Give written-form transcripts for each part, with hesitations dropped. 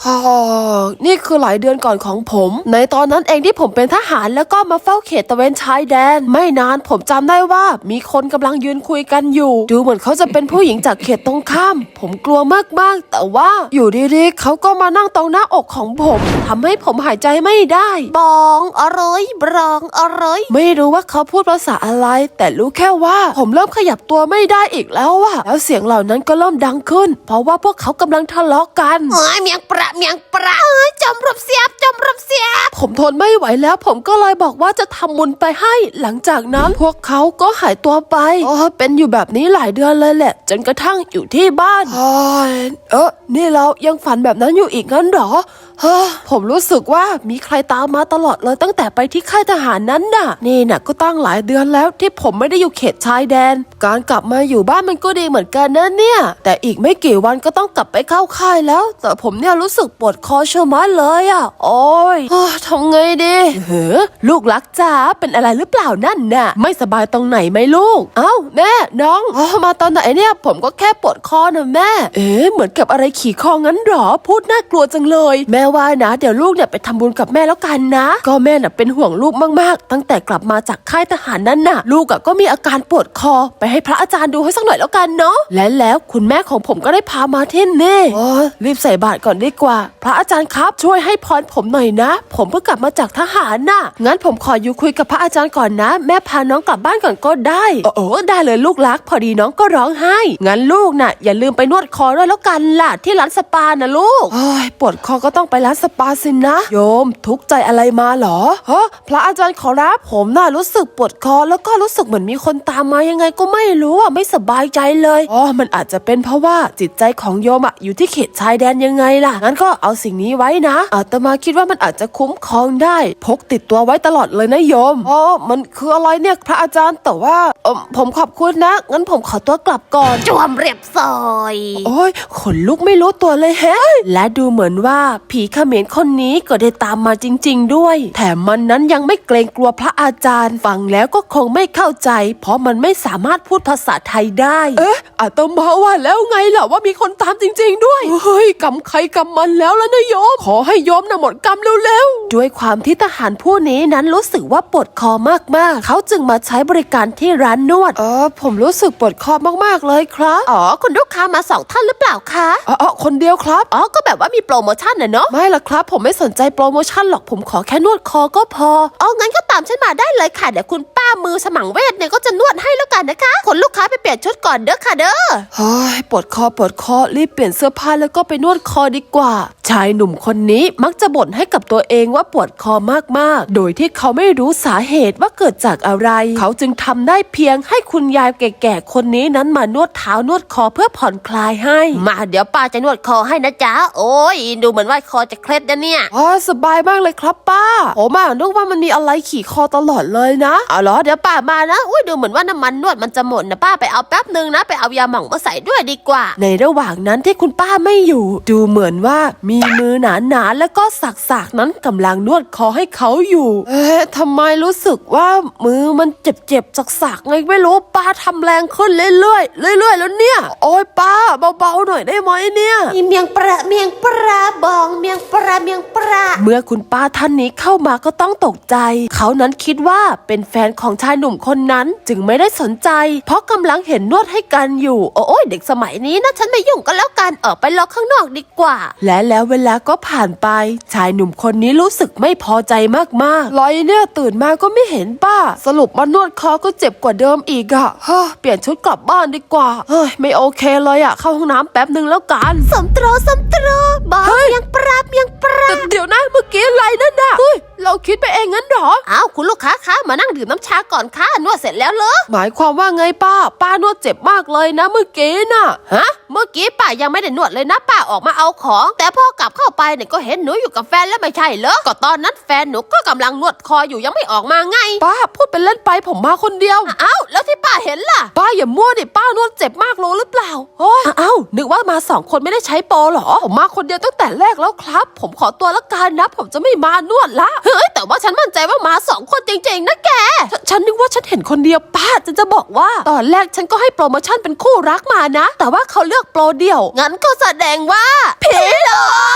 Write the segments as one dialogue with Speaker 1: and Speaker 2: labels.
Speaker 1: ฮ่านี่คือหลายเดือนก่อนของผมในตอนนั้นเองที่ผมเป็นทหารแล้วก็มาเฝ้าเขตตะเวนชายแดนไม่นานผมจำได้ว่ามีคนกำลังยืนคุยกันอยู่ดูเหมือนเขาจะเป็นผู้หญิงจากเขตตรงข้ามผมกลัวมากๆแต่ว่าอยู่ดีๆเขาก็มานั่งตรงหน้าอกของผมทำให้ผมหายใจไม่ได้บองอร่อยบรองอร่อยไม่รู้ว่าเขาพูดภาษาอะไรแต่รู้แค่ว่าผมเริ่มขยับตัวไม่ได้อีกแล้วอะแล้วเสียงเหล่านั้นก็เริ่มดังขึ้นเพราะว่าพวกเขากำลังทะเลาะกัน
Speaker 2: เมียงประจมรบเสียบ
Speaker 1: ผมทนไม่ไหวแล้วผมก็เลยบอกว่าจะทำบุญไปให้หลังจากนั้นพวกเขาก็หายตัวไปเป็นอยู่แบบนี้หลายเดือนเลยแหละจนกระทั่งอยู่ที่บ้านนี่เรายังฝันแบบนั้นอยู่อีกงั้นเหรอผมรู้สึกว่ามีใครตามมาตลอดเลยตั้งแต่ไปที่ค่ายทหารนั้นน่ะนี่น่ะก็ตั้งหลายเดือนแล้วที่ผมไม่ได้อยู่เขตชายแดนการกลับมาอยู่บ้านมันก็ดีเหมือนกันนะเนี่ยแต่อีกไม่กี่วันก็ต้องกลับไปเข้าค่ายแล้วแต่ผมเนี่ยรู้สึกปวดคอเชะมัดเลยอ่ะโอ๊ยทำไงดีลูกรักจ๋าเป็นอะไรหรือเปล่านั่นน่ะไม่สบายตรงไหนไหมลูกเอ้าแม่น้องมาตอนไหนเนี่ยผมก็แค่ปวดคอนะแม่เหมือนกับอะไรขี่คองั้นหรอพูดน่ากลัวจังเลยแม่ว่านะเดี๋ยวลูกเนี่ยไปทำบุญกับแม่แล้วกันนะก็แม่น่ะเป็นห่วงลูกมากๆตั้งแต่กลับมาจากค่ายทหารนั้นน่ะลูกก็มีอาการปวดคอไปให้พระอาจารย์ดูให้สักหน่อยแล้วกันเนาะและแล้วคุณแม่ของผมก็ได้พามาที่นี่รีบใส่บาตรก่อนดีกว่าพระอาจารย์ครับช่วยให้พรผมหน่อยนะผมเพิ่งกลับมาจากทหารน่ะงั้นผมขออยู่คุยกับพระอาจารย์ก่อนนะแม่พาน้องกลับบ้านก่อนก็ได้ได้เลยลูกรักพอดีน้องก็ร้องไห้งั้นลูกน่ะอย่าลืมไปนวดคอด้วยแล้วกันล่ะที่ร้านสปานะลูกปวดคอก็ต้องไปร้านสปาสินะโยมทุกข์ใจอะไรมาเหรอพระอาจารย์ขอรับผมน่ะรู้สึกปวดคอแล้วก็รู้สึกเหมือนมีคนตามมายังไงก็ไม่รู้ไม่สบายใจเลยมันอาจจะเป็นเพราะว่าจิตใจของโยมอยู่ที่เขตชายแดนยังไงล่ะงั้นก็เอาสิ่งนี้ไว้นะอาตมาคิดว่ามันอาจจะคุ้มครองได้พกติดตัวไว้ตลอดเลยนะโยมมันคืออะไรเนี่ยพระอาจารย์แต่ว่าผมขอบคุณนะงั้นผมขอตัวกลับก่อน
Speaker 2: จวมเรียบซอย
Speaker 1: ขนลุกไม่รู้ตัวเลยแฮะและดูเหมือนว่าผีเขมรคนนี้ก็ได้ตามมาจริงๆด้วยแถมมันนั้นยังไม่เกรงกลัวพระอาจารย์ฟังแล้วก็คงไม่เข้าใจเพราะมันไม่สามารถพูดภาษาไทยได้อาตมาว่าแล้วไงล่ะว่ามีคนตามจริงๆด้วยกรรมใครกรรมมันแล้วนะโยมขอให้โยมน่ะหมดกรรมเร็วๆด้วยความที่ทหารผู้นี้นั้นรู้สึกว่าปวดคอมากๆเขาจึงมาใช้บริการที่ร้านนวดผมรู้สึกปวดคอมากๆเลยครับ
Speaker 2: คุณลูกค้ามา2 ท่านหรือเปล่าคะ
Speaker 1: คนเดียวครับ
Speaker 2: ก็แบบว่ามีโปรโมชั่นน่ะเนาะ
Speaker 1: ไม่ล่ะครับผมไม่สนใจโปรโมชั่นหรอกผมขอแค่นวดคอก็พอ
Speaker 2: งั้นก็ตามฉันมาได้เลยค่ะเดี๋ยวคุณป้ามือสมังเวทเนี่ยก็จะนวดให้แล้วกันนะคะคนลูกค้าไปเปลี่ยนชุดก่อนเด้อค่ะเด้อ
Speaker 1: ปวดคอรีบเปลี่ยนเสื้อผ้าแล้วก็ไปนวดคอดีกว่าชายหนุ่มคนนี้มักจะบ่นให้กับตัวเองว่าปวดคอมากๆโดยที่เขาไม่รู้สาเหตุว่าเกิดจากอะไรเขาจึงทำได้เพียงให้คุณยายแก่ๆคนนี้นั้นมานวดเท้านวดคอเพื่อผ่อนคลายให้
Speaker 2: มาเดี๋ยวป้าจะนวดคอให้นะจ๊ะโอ้ยดูเหมือนว่าคอจะเคล็ดนะเนี่ย
Speaker 1: สบายมากเลยครับป้าผมนึกว่ามันมีอะไรขี่คอตลอดเลยนะ
Speaker 2: เหรอเดี๋ยวป้ามานะดูเหมือนว่าน้ำมันนวดมันจะหมดนะป้าไปเอาแป๊บนึงนะไปเอายาหม่องมาใส่ด้วยดีกว่า
Speaker 1: ในระหว่างนั้นที่คุณป้าไม่อยู่ดูเหมือนว่ามีมือหนาๆแล้วก็สักๆนั้นกำลังนวดคอให้เขาอยู่ทำไมรู้สึกว่ามือมันเจ็บๆสักๆไงไม่รู้ป้าทำแรงขึ้นเรื่อยๆแล้วเนี่ยโอ้ยป้าเบาๆหน่อยได้ไหมเนี่ย
Speaker 2: เมียงประบองเมียงประ
Speaker 1: เมื่อคุณป้าท่านนี้เข้ามาก็ต้องตกใจเขานั้นคิดว่าเป็นแฟนของชายหนุ่มคนนั้นจึงไม่ได้สนใจเพราะกำลังเห็นนวดให้กันอยู่
Speaker 2: โอ้ยเด็กสมัยนี้นะฉันไม่ยุ่งกันแล้วกันออกไปรอข้างนอกดีกว่า
Speaker 1: และแล้วเวลาก็ผ่านไปชายหนุ่มคนนี้รู้สึกไม่พอใจมากๆลอยเนี่ยตื่นมาก็ไม่เห็นป้าสรุปมานวดคอก็เจ็บกว่าเดิมอีกเปลี่ยนชุดกลับบ้านดีกว่าไม่โอเคเลยเข้าห้องน้ำแป๊บนึงแล้วกัน
Speaker 2: สมตรบองเมียงประ
Speaker 1: เดี๋ยวนะเมื่อกี้อะไรนั่นน่ะเราคิดไปเองงั้นหรอ
Speaker 2: คุณลูกค้าคะมานั่งดื่มน้ำชาก่อนค่ะนวดเสร็จแล้วเหรอ
Speaker 1: หมายความว่าไงป้านวดเจ็บมากเลยนะเมื่อกี้น่ะ
Speaker 2: เมื่อกี้ป้ายังไม่ได้นวดเลยนะป้าออกมาเอาของแต่พอกลับเข้าไปเนี่ยก็เห็นหนูอยู่กับแฟนแล้วไม่ใช่เหรอก็ตอนนั้นแฟนหนูก็กำลังนวดคออยู่ยังไม่ออกมาไง
Speaker 1: ป้าพูดเป็นเล่นไปผมมาคนเดียว
Speaker 2: แล้วที่ป้าเห็นล่ะ
Speaker 1: ป้าอย่ามั่วดิป้านวดเจ็บมากรู้หรือเปล่านึกว่ามา2 คนไม่ได้ใช้โปรหรอผมมาคนเดียวตั้งแต่แรกแล้วครับผมขอตัวละกันนะผมจะไม่มานวดละ
Speaker 2: แต่ว่าฉันมั่นใจว่ามา2 คนจริงๆนะแก
Speaker 1: ฉันนึกว่าฉันเห็นคนเดียวป้าจะบอกว่าตอนแรกฉันก็ให้โปรโมชั่นเป็นคู่รักมานะแต่ว่าเขาเลือกโปรเดี่ยว
Speaker 2: งั้นก็แสดงว่าผีหลอก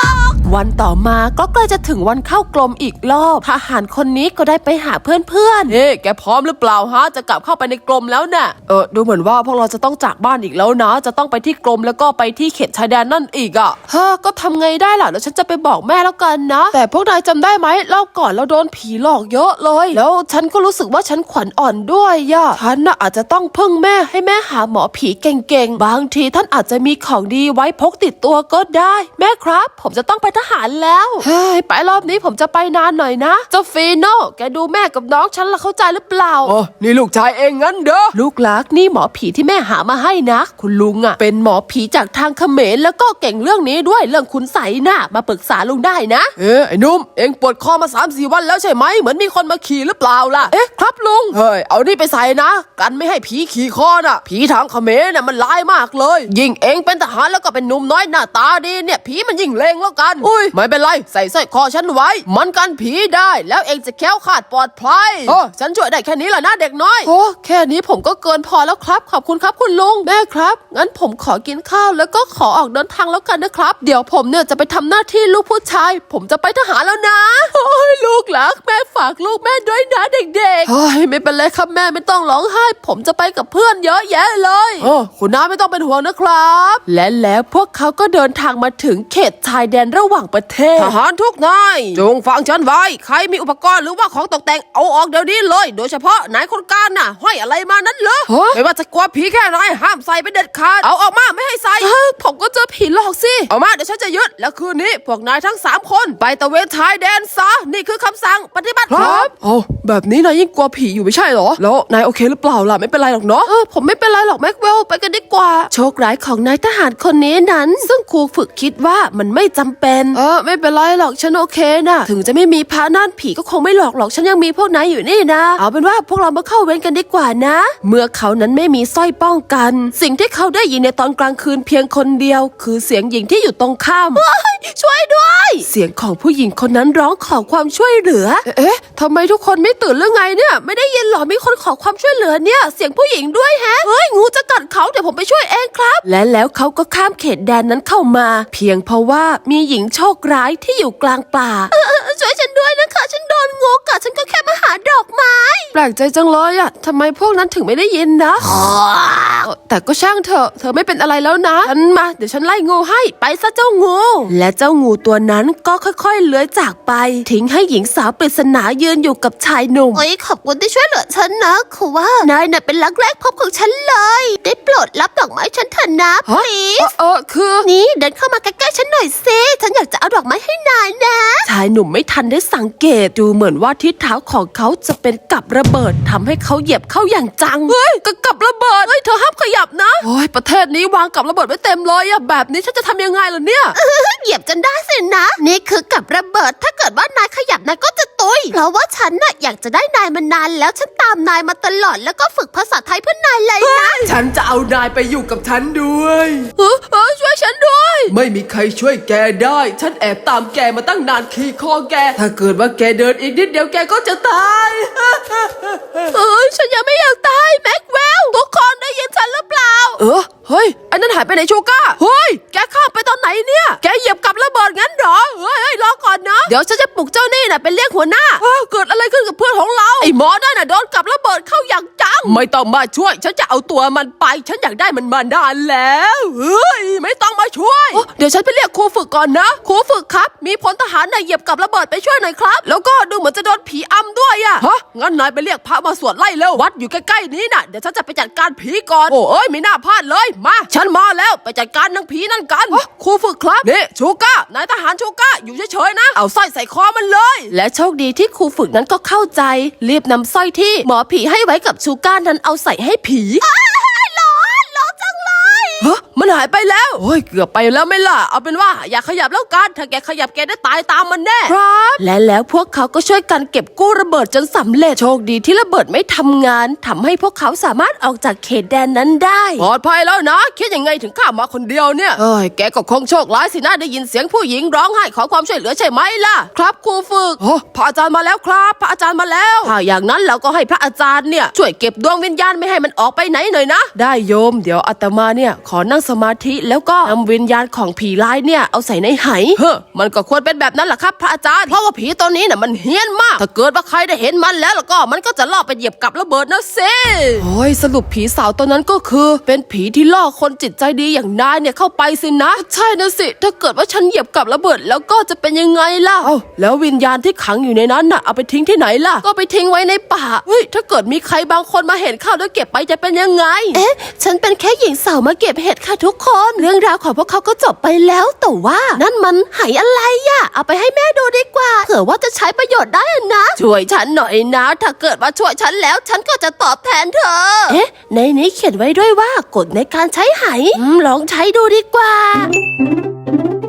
Speaker 1: วันต่อมาก็ใกล้จะถึงวันเข้ากรมอีกรอบทหารคนนี้ก็ได้ไปหาเพื่อนๆเฮ้แกพร้อมหรือเปล่าฮะจะกลับเข้าไปในกรมแล้วน่ะดูเหมือนว่าพวกเราจะต้องจากบ้านอีกแล้วนะจะต้องไปที่กรมแล้วก็ไปที่เขตชายแดนนั่นอีกอ่ะก็ทำไงได้ล่ะแล้วฉันจะไปบอกแม่แล้วกันนะแต่พวกนายจำได้ไหมรอบก่อนเราโดนผีหลอกเยอะเลยแล้วฉันก็รู้สึกว่าฉันขวัญอ่อนด้วยย่ะฉันน่ะอาจจะต้องพึ่งแม่ให้แม่หาหมอผีเก่งๆบางทีท่านอาจจะมีของดีไว้พกติดตัวก็ได้แม่ครับผมจะต้องไปทหารแล้วเฮ้ยไปรอบนี้ผมจะไปนานหน่อยนะเจ้าฟีโน่แกดูแม่กับน้องฉันละเข้าใจหรือเปล่านี่ลูกชายเองงั้นเด้อลูกรักนี่หมอผีที่แม่หามาให้นะคุณลุงอ่ะเป็นหมอผีจากทางเขมรแล้วก็เก่งเรื่องนี้ด้วยเรื่องคุณไสน่ะมาปรึกษาลุงได้นะไอ้นุ่มเองปวดคอมา 3-4 วันแล้วใช่ไหมเหมือนมีคนมาขี่หรือเปล่าล่ะครับลุงเฮ้ยเอานี่ไปใส่นะกันไม่ให้ผีขี่คอน่ะผีทางเขมรน่ะมันร้ายมากเลยยิ่งเองเป็นทหารแล้วก็เป็นหนุ่มน้อยหน้าตาดีเนี่ยผีมันยิ่งเลงแล้วกันอุ้ยไม่เป็นไรใส่สร้อยคอฉันไว้มันกันผีได้แล้วเองจะแคล้วคลาดปลอดภัยฉันช่วยได้แค่นี้แหละนะเด็กน้อยแค่นี้ผมก็เกินพอแล้วครับขอบคุณครับคุณลุงแม่ครับงั้นผมขอกินข้าวแล้วก็ขอออกเดินทางแล้วกันนะครับเดี๋ยวผมเนี่ยจะไปทำหน้าที่ลูกผู้ชายผมจะไปทหารแล้วนะลูกรักแม่ฝากลูกแม่ด้วยนะเด็กๆไม่เป็นไรครับแม่ไม่ต้องร้องไห้ผมจะไปกับเพื่อนเยอะแยะเลยคุณน้าไม่ต้องเป็นห่วงนะครับและแล้วพวกเขาก็เดินทางมาถึงเขตชายแดนระหว่างประเทศทหารทุกนายจงฟังฉันไว้ใครมีอุปกรณ์หรือว่าของตกแต่งเอาออกเดี๋ยวนี้เลยโดยเฉพาะนายคนกลางน่ะห้อยอะไรมานั้นเหรอไม่ว่าจะกลัวผีแค่ไหนห้ามใส่ไปเด็ดขาดเอาออกมาไม่ให้ใส่ผมก็เจอผีหลอกสิเอามาเดี๋ยวฉันจะยึดแล้วคืนนี้พวกนายทั้ง3 คนไปตะเวนชายแดนซะนี่คือคำสั่งปฏิบัติครับแบบนี้นายยิ่งกลัวผีอยู่ไม่ใช่เหรอแล้วนายโอเคหรือเปล่าล่ะไม่เป็นไรหรอกเนาะผมไม่เป็นไรหรอกแม็กเวลไปกันดีกว่าโชคร้ายของนายทหารคนนี้นั้นซึ่งครูฝึกคิดว่ามันไม่จำเป็นไม่เป็นไรหรอกฉันโอเคนะถึงจะไม่มีพระน่านผีก็คงไม่หลอกหรอกฉันยังมีพวกนายอยู่นี่นะเอาเป็นว่าพวกเรามาเข้าเวรกันดีกว่านะเมื่อเขานั้นไม่มีสร้อยป้องกันสิ่งที่เขาได้ยินในตอนกลางคืนเพียงคนเดียวคือเสียงหญิงที่อยู่ตรงข้ามช่วยด้วยเสียงของผู้หญิงคนนั้นร้องขอความช่วยเหลือทำไมทุกคนไม่ตื่นเรื่องไงเนี่ยไม่ได้ยินหรอมีคนขอความช่วยเหลือเนี่ยเสียงผู้หญิงด้วยแฮะเฮ้ยงูจะกัดเขาเดี๋ยวผมไปช่วยเองครับและแล้วเขาก็ข้ามเขตแดนนั้นเข้ามาเพียงเพราะว่ามีหญิงโชคร้ายที่อยู่กลางป่าช่วยฉันด้วยนะคะฉันโดนงูกัดฉันก็แค่มาหาดอกไม้แปลกใจจังเลยอะทำไมพวกนั้นถึงไม่ได้ยินนะแต่ก็ช่างเธอไม่เป็นอะไรแล้วนะฉันมาเดี๋ยวฉันไล่งูให้ไปซะเจ้างูและเจ้างูตัวนั้นก็ค่อยๆเลื้อยจากไปทิ้งให้หญิงสาวปริศนายืนอยู่กับชายหนุ่มขอบคุณที่ช่วยเหลือฉันนะคือว่านายน่ะเป็นรักแรกพบของฉันเลยได้โปรดรับดอกไม้ฉันเถอะนะpleaseคือนี่เดินเข้ามาใกล้ๆฉันหน่อยสิฉันอยากจะเอาดอกไม้ให้นายนะชายหนุ่มไม่ทันได้สังเกตดูเหมือนว่าที่เท้าของเขาจะเป็นกับระเบิดทำให้เขาเหยียบเข้าอย่างจังเฮ้ยกับระเบิดเฮ้ยเธอห้ามขยับนะโอ้ยประเทศนี้วางกับระเบิดไว้เต็มเลยอะแบบนี้ฉันจะทำยังไงล่ะเนี่ยเหยียบจนได้สินะนี่คือกับระเบิดถ้าเกิดว่านายขยับนายก็จะตุยเพราะว่าฉันน่ะอยากจะได้นายมานานแล้วฉันตามนายมาตลอดแล้วก็ฝึกภาษาไทยเพื่อนายเลยนะ
Speaker 3: ฉันจะเอานายไปอยู่กับฉันด้วย
Speaker 1: ช่วยฉันด้วย
Speaker 3: ไม่มีใครช่วยแกได้ฉันแอบตามแกมาตั้งนานขี่คอแกถ้าเกิดว่าแกเดินอีกนิดเดียวแกก็จะตาย
Speaker 1: ฉันยังไม่อยากตายแม็กเวลทุกคนได้ยินฉันหรือเปล่าเฮ้ยไอ้นั่นหายไปไหนชูก้าเฮ้ยแกข้ามไปตอนไหนเนี่ยแกเหยียบกับระเบิดงั้นเหรอเฮ้ยรอก่อนนะเดี๋ยวฉันจะปลุกเจ้านี่น่ะเป็นเรียกหัวหน้าเกิดอะไรขึ้นกับเพื่อนของเราไอ้หมอนั่นน่ะโดนกับระเบิดเข้าอย่างจังไม่ต้องมาช่วยฉันจะเอาตัวมันไปฉันอยากได้มันมานานแล้วเฮ้ยไม่ต้องมาช่วยเดี๋ยวฉันไปเรียกครูฝึกก่อนนะครูฝึกครับมีพลทหารน่ะเหยียบกับระเบิดไปช่วยหน่อยครับแล้วก็ดูเหมือนจะโดนผีอำด้วยอะงั้นนายไปเรียกพระมาสวดไล่เร็ววัดอยู่ใกล้ๆนี้น่ะเดี๋ยวฉันจะไปจัดการผีก่อนโอ้ยไม่น่าพลาดเลยมาฉันมาแล้วไปจัดการนางผีนั่นกันครูฝึกครับนี่ชูก้านายทหารชูก้าอยู่เฉยๆนะเอาสร้อยใส่คอมันเลยและโชคดีที่ครูฝึกนั้นก็เข้าใจรีบนำสร้อยที่หมอผีให้ไว้กับชูก้านั้นเอาใส่ให้ผีร้อนจังเลยมันหายไปแล้วโอ้ยเกือบไปแล้วไม่ล่ะเอาเป็นว่าอย่าขยับแล้วกันถ้าแกขยับแกได้ตายตามมันแน่ครับและแล้วพวกเขาก็ช่วยกันเก็บกู้ระเบิดจนสำเร็จโชคดีที่ระเบิดไม่ทำงานทำให้พวกเขาสามารถออกจากเขตแดนนั้นได้ปลอดภัยแล้วนะคิดยังไงถึงข้ามาคนเดียวเนี่ยแกก็คงโชคร้ายสินะได้ยินเสียงผู้หญิงร้องไห้ขอความช่วยเหลือใช่ไหมล่ะครับครูฝึกพระอาจารย์มาแล้วครับพระอาจารย์มาแล้วถ้าอย่างนั้นเราก็ให้พระอาจารย์เนี่ยช่วยเก็บดวงวิญญาณไม่ให้มันออกไปไหนหน่อยนะได้โยมเดี๋ยวอาตมาเนี่ยขอนั่งสมาธิแล้วก็นำวิญญาณของผีร้ายเนี่ยเอาใส่ในไหมันก็ควรเป็นแบบนั้นแหละครับพระอาจารย์เพราะว่าผีตัวนี้น่ะมันเฮี้ยนมากถ้าเกิดว่าใครได้เห็นมันแล้วก็มันก็จะล่อไปเหยียบกับระเบิดนะเซ่โอ้ยสรุปผีสาวตัวนั้นก็คือเป็นผีที่ล่อคนจิตใจดีอย่างนายเนี่ยเข้าไปสินะใช่นะสิถ้าเกิดว่าฉันเหยียบกับระเบิดแล้วก็จะเป็นยังไงล่ะแล้ววิญญาณที่ขังอยู่ในนั้นน่ะเอาไปทิ้งที่ไหนล่ะก็ไปทิ้งไว้ในป่าเฮ้ยถ้าเกิดมีใครบางคนมาเห็นเข้าแล้วเก็บไปจะเป็นยังไงฉันเป็นแค่หญิงสาวมาเก็บเห็ดค่ะทุกคนเรื่องราวของพวกเขาก็จบไปแล้วแต่ว่านั่นมันไหอะไรอะเอาไปให้แม่ดูดีกว่าเผื่อว่าจะใช้ประโยชน์ได้นะช่วยฉันหน่อยนะถ้าเกิดว่าช่วยฉันแล้วฉันก็จะตอบแทนเธอในนี้เขียนไว้ด้วยว่ากฎในการใช้ไหลองใช้ดูดีกว่า